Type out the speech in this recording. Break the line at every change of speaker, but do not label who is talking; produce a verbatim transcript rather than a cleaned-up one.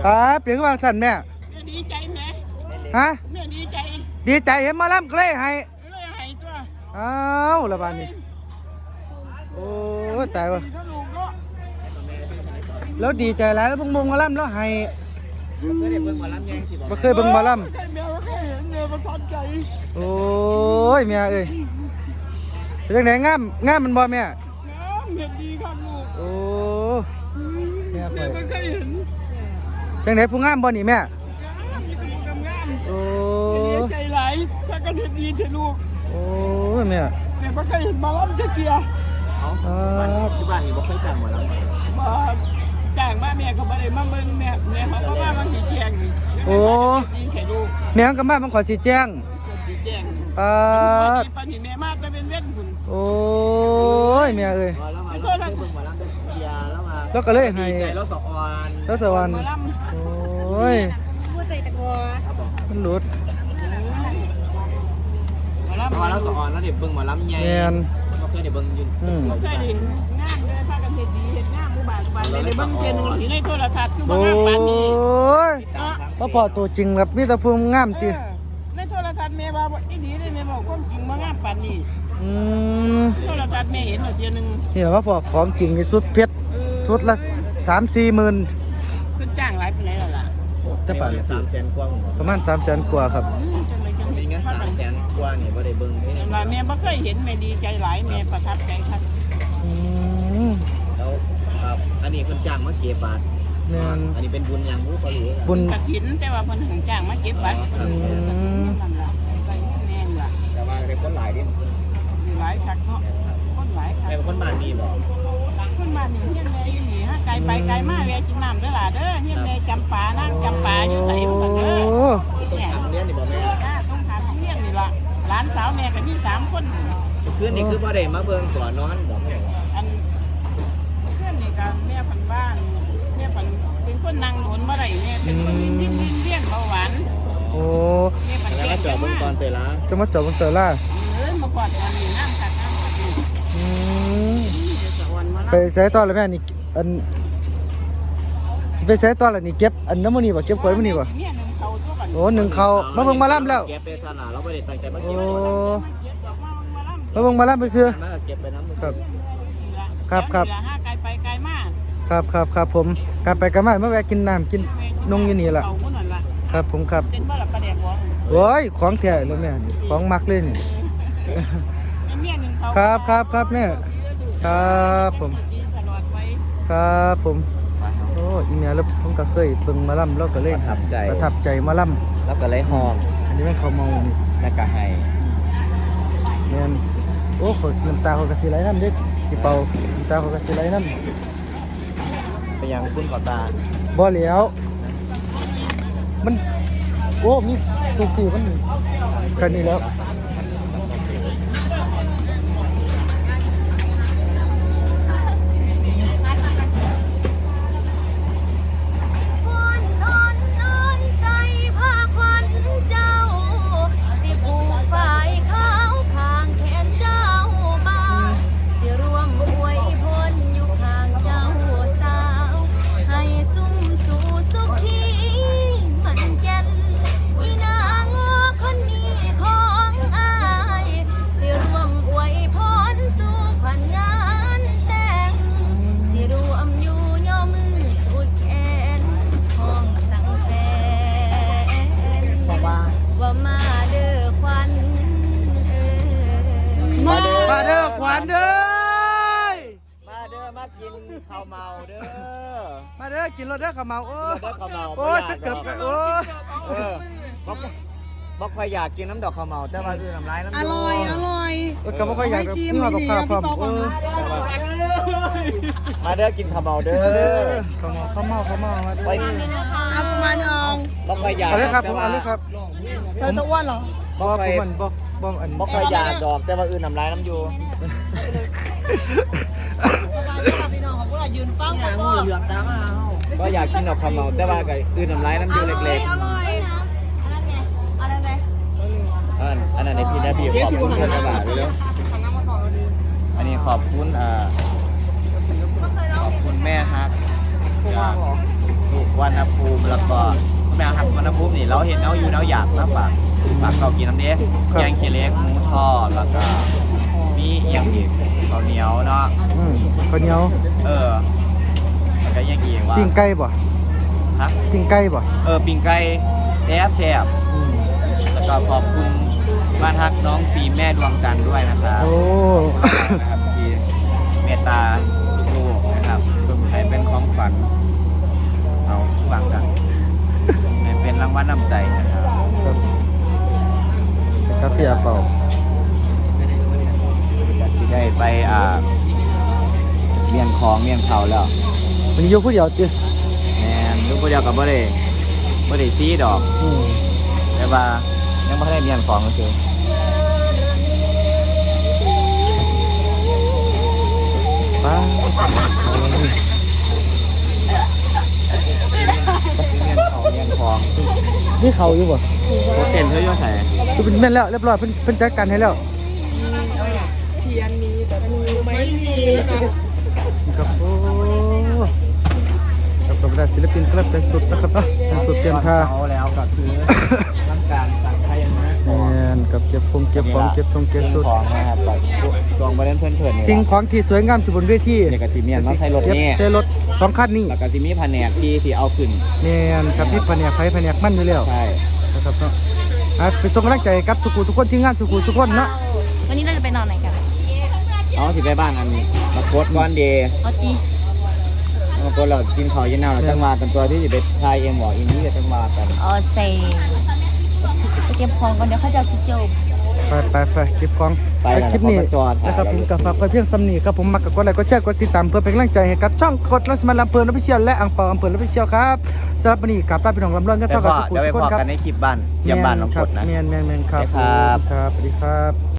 ป้าเปลี่ยนวางสั่นแม่
ดีใจไหม
ฮะ
แม่ดีใจ
ดีใจเห็นมาล่ำก็เลยให้
เลยให้ตัว
อ้าวละบานนี่โอ้ตายวะแล้วดีใจแล้วแล้วพงมงมาล่ำแล้วให้
เคยได้เบิ่งหมอลำยังสิ
บ่เคยเบิ่งมาล่ำโอ้ยแม่เอ้ยเป็นจังไหนงามงามมันบ่แม่
งามเห็นดีครับลูก
โอ้แม่ไป
ไม่เคยเห็น
จังไหนผู้งามบ่นี่แม่โอ้
ใจไหลถ้ากันเห็นดีเถอะลูก
โอ้ยแม่
แม่ไม่เคยเห็นมาล้ำจะเกียร์
อ๋อที่บ้านนี่บ่เคยจ้างหมอลำ
มาจ้างมาแม่ก็ไม่ได้มาเบิ่งแม่แม่เขาก็มาบางทีแจ้งนี่
โอ้
ดีเถอะลูก
แม่ก็มามันขอสิแจ้ง
สิแจ้ง
อ่า
ปานนี้แม่มาแต่เป็นเว้นพุ่น
โอ้ยแม่เอ้ย
ไม่เคยเบิ่งหมอลำเกียร์แล้วมา
แล้วก็เลยให้
แล้วสะออน
แล้วสวรรค์โอ้ยมันหลุด
เพราะว่าเราสะออนแล้วเด็กเบิ่งหมอลำใหญ่ก็เคยได้เบิ่งอยู่
บ่เคยได้งามเลยพากันเฮ็ดดีเฮ็ดงามหมู่บ้านบ้านได้เบิ่งเจนอยู่ในโทรทัศน์คือบ่งามปานนี้
โอ้ยบ่พอตัวจริงครับมีแต่ผู้งามติ
ในโทรทัศน์แม่ว่าอีดีได้แม่บอกความจริงบ่งามปานนี้
อืม
โทรทัศน์แม่เห็นแล้วเทียนึง
นี่ว่าพอของจริงนี่สุดเพชรสุดละ สามสี่หมื่น
เพิ่นจ้างหลายปานใดล่ะ
จะปาน
สามแสนกว่า
ประมาณ สามแสน กว่าครับ
จังได๋จัง
มีเงิน สามแสน กว่านี่บ่ได้เบิ่งเด้
ว่าแม่บ่เคยเห็นแม่ดีใจหลายแม่ประทับใจครับ
อืม
แล้วครับอันนี้เพิ่นจ้างมาเก็บบาท
แม่น
อันนี้เป็นบุญอย่างรู้บ่รู้
บุญ
กฐินแต่ว่าเพิ่นถึงจ้างมาเก็บบัตรอืมนั่นล่ะไปแม่นล่ะ
แต่ว่าได้คนหลายดิ
หลายคักเนาะคนหลายคัก
เป็นคนบ้านนี้บ่
คนบ้านนี้เฮียนแม่อยู่นี่ฮะไกลไปไกลมาแวะกินน้ำเด้อล่ะเด้อเฮียนแม่จำปานั่งจำปาอยู่ไสบ่ซั่นเด้อ
ต้องถามเรียนนี่บ่แม่
ต้องถามเฮียนนี่ล่ะหลานสาวแม่ก็มีสามคน
คืนนี้คือบ่ได้มาเบิ่งก่อนนอนบ่แม่
อันเพื่อนนี่ก็แม่พันบ้านแม่พันเป็นคนนั่งโดนบ่ได้แม่เป็นคนลิ้นลิ้นลิ้นเลี้ยงเบาหวาน
โอ้
แม่พันแก่
จอดเบิ่งตอนเตล่า
จะมาจอดบนเตล่า
เออมาก่อนตอนนี้น้ำคักน้ำคักนี่
อืมไปใส่ตอนแล้วแม่นี่อันไปใส่ตอนแล้วนี่เก็บอันน้ำมันนี่บ่เก็บขวดมันนี่บ่โอ้หนึ่งเขามาเบิ่งมาล่ำแล้ว
เก็บไปซะน่ะเราบ่ได้ตั้งใจมา
เก็บ
โอ้
มาเบิ่งมาล่ำไปซื้อ
มาเก็บไปน้ำ
ครับครับครับ
ไกลไปไกลมา
ครับครับครับผมกลับไปกลับมามาแวะกินน้ำกินนงอยู่นี่ล่ะครับผมครับ
เป็นบ่ล่ะปลาแดกบ่
โอ้ยของแท้เลยแม่ของมักเลยนี่ครับครับครับแม่ครับผมครับผมโอ้อีเมียแล้วผมก็เคยเบิ่งมาล่ำแล้วก็เลยประทับใจประทับใจมาล่ำ
แล้วก็เลยหอม
อันนี้แม่เขาเมา
แล้วก็ให้
แม่นโอ้คนน้ำตาเขากระสีไหลน้ำเด็กที่เป่าน้ำตาเขากระสีไหลน้ำ
ไปยังคุณขอตา
บ่เหลียวมันโอ้มีตัวสี่มันกันนี่แล้วมาเด้อมาเด้อขวัญเด้อ
มาเด้อมากินข้าวเมาเด้อ
มาเด้อกินรถเด้อข้าวเมาโอ้
โอ้
จะเกือบโอ้
เออบอกใครอยากกินน้ำดอกข้าวเมาแต่ว่าคือน้ำลายน้ำ
อร่อยอร่อย
ก็บอกใครอยากกินมากับข้าวพร้อมเออ
มาเด้อกินข้าวเมาเด้อ
ข้าวเมาข้าวเมาข้าวเมามาเด้อ
เอากุมารทอง
บอกใครอยาก
เอาเลยครับผมเอาเลยครับ
เธอจะอ้วนเหรอ
บอกใครบอกบอกอัน
บอกใครอยากดอกแต่ว่าอื่นน้ำลายน้ำอยู่
พี่น้องของพวกเรายืนฟังกันก็เหลืองตามา
ก็อยากกินดอกข้าวเมาแต่ว่ากับอื่นน้ำลายน้ำอยู่เล็ก
ๆอร่อยอันนั้นไงอันนั้นไง
อันอันนั้นในพี่นะพี่ขอบคุณเพื่อนกระบะด้วยแล้วอันนี้ขอบคุณอ่าขอบคุณแม่ฮักสุวรรณภูมิแล้วก็แมวหักสุวรรณภูมินี่เราเห็นเราอยู่เราอยากมาฝากฝากเขากินน้ำเด้แกงเขียเล็กหมูทอดแล้วก็มีเอียงอีกข้าวเหนียวเนาะ
อืมข้าวเหนียว
เออแล้วก็เอียงอีกว่า
ปิ้งไก่บ่
ฮะ
ปิ้งไก่บ่
เออปิ้งไก่แซ่บแซ่บ
อืม
แล้วก็ขอบคุณบ้านฮักน้องฟิล์มแม่ดวงจันทร์ด้วยนะครับ
โอ้
นะครับที่เมตตาลูกๆนะครับให้เป็นของขวัญเอาฟังกันให้เป็นรางวัลน้ำใจนะครับ
ครับครับพี่อาเป่า
จะที่ได้ไปอ่าเมียนของเมียนเขาแล้ว
วันนี้อยู่ผู้เดียวจิ
แมนลูกคนเดียวกับบ่ได้บ่ได้ซีดอก
อืม
แต่ว่ายังไม่ได้เมียนของก็คือ
ป้า
เมียนเขาเมียนของ
นี่เขาอยู่บ่
โปรเซนเธออยู่ใส่
คือเป็นแม่นแล้วเรียบร้อยเพิ่นเพิ่นจัดการให้แล้ว
เทียนมีแต่มือไม่มี
ครับโอ้ครับกับศิลปินกลับเป็นสุดนะครับเนาะเป็นสุดเตรียมท่า
เขาแล้วก็คือทำการสั่งไทยนะ
แม่นกับเก็บคงเก็บของเก็บทงเก็บสุด
ของนะครับแบบดวงบริเวณเพื่อนเพื่อนนี่
สิ่งของที่สวยงามที่บนเวที
เด็กกับซีเมียนมาใช้รถ
เก็บ
นี่
ใช้รถสองคันนี้
แล้วก็ซีมีแผนกที่ที่เอาขึ้น
แม่นครับที่แผนกไฟแผนกมันอยู่แล้ว
ใช่
นะครับเนาะอ่ะไปส่งกำลังใจกับทุกผู้ทุกคนที่งานทุกผู้ทุกคนเนาะ
วันนี้เราจะไปนอนไหนกัน
เอาสิไปบ้านอันมาโคตรก้อนเดย์
เอาจี
มาโคตรเรากินข้าวเย็นหน้าเราจังมากันตัวที่จะไปทายเอ็มหมออินนี่จะจังมากัน
เอาเซไปเก็บของก่อนเดี๋ยวเขาจะเอาสิโจม
ไปไปไปคลิปของ
ไป
ไปคลิปนี้
จอด
นะครับผมกับฝากไว้เพียงซ้ำนี้ครับผมมักกับกดไลค์กดแชร์กดติดตามเพื่อเป็นกำลังใจให้กับช่องกดลักษมันลำเพลินอภิเชียลและอังเปาอำเภออภิเชียลครับสำหรับวันนี้กับป้าพี่น้องลำเลินกัน
เดี๋
เท่า
ยว
กับสุขุม
ไป
สุข
พอ
ครับ
กันในคลิปบ้านเยี่ยมบ้านน้องกดนะ
แมนแมนแมนครับ
ครับ
ครับสวัสดีครับ